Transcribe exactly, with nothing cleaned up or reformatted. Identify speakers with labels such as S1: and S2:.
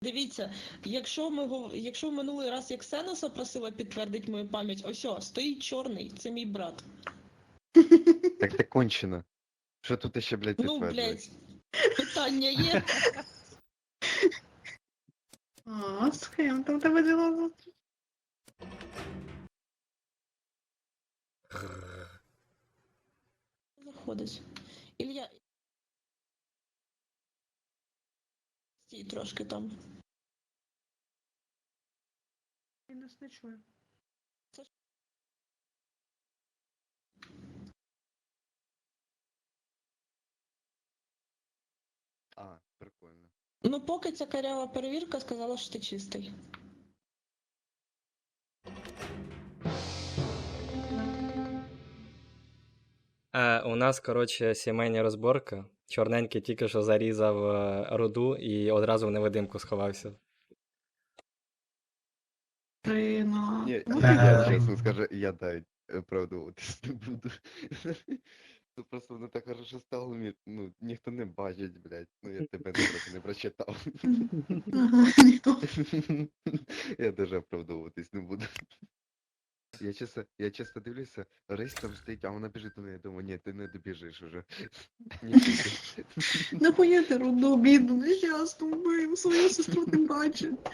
S1: Дивіться, якщо ми гов- якщо в минулий раз я Ксеноса просила підтвердити мою пам'ять, ось о, стоїть чорний, це мій брат.
S2: Так ти кончена. Що тут ще, блядь,
S1: Ну,
S2: підтверджувати?
S1: блядь, питання є.
S3: А, з ким там тебе діла?
S1: Заходить. Ілля. Стій трошки там.
S3: Я нас не чую.
S2: А, прикольно.
S1: Ну, поки ця карява перевірка сказала, що ти чистий.
S4: Е, у нас, коротше, сімейна розборка. Чорненький тільки що зарізав е, руду і одразу в невидимку сховався.
S3: Рина.
S2: Ні,
S3: Ну,
S2: я
S3: ти-
S2: чесно скажу, я дай оправдовуватись не буду. Ну просто воно так хорошо стало, мені, ну, ніхто не бачить, блядь. Ну я тебе не трохи не прочитав.
S3: Ага, ніхто.
S2: Я даже оправдовуватись не буду. Я чесно, я чесно дивлюся, Рейс там стоїть, а вона біжить до неї, думаю, ні, ти не добіжиш уже. Ні, ти.
S3: Нахуя ти руду, бідну, нещасну вбив, свою сестру не бачив.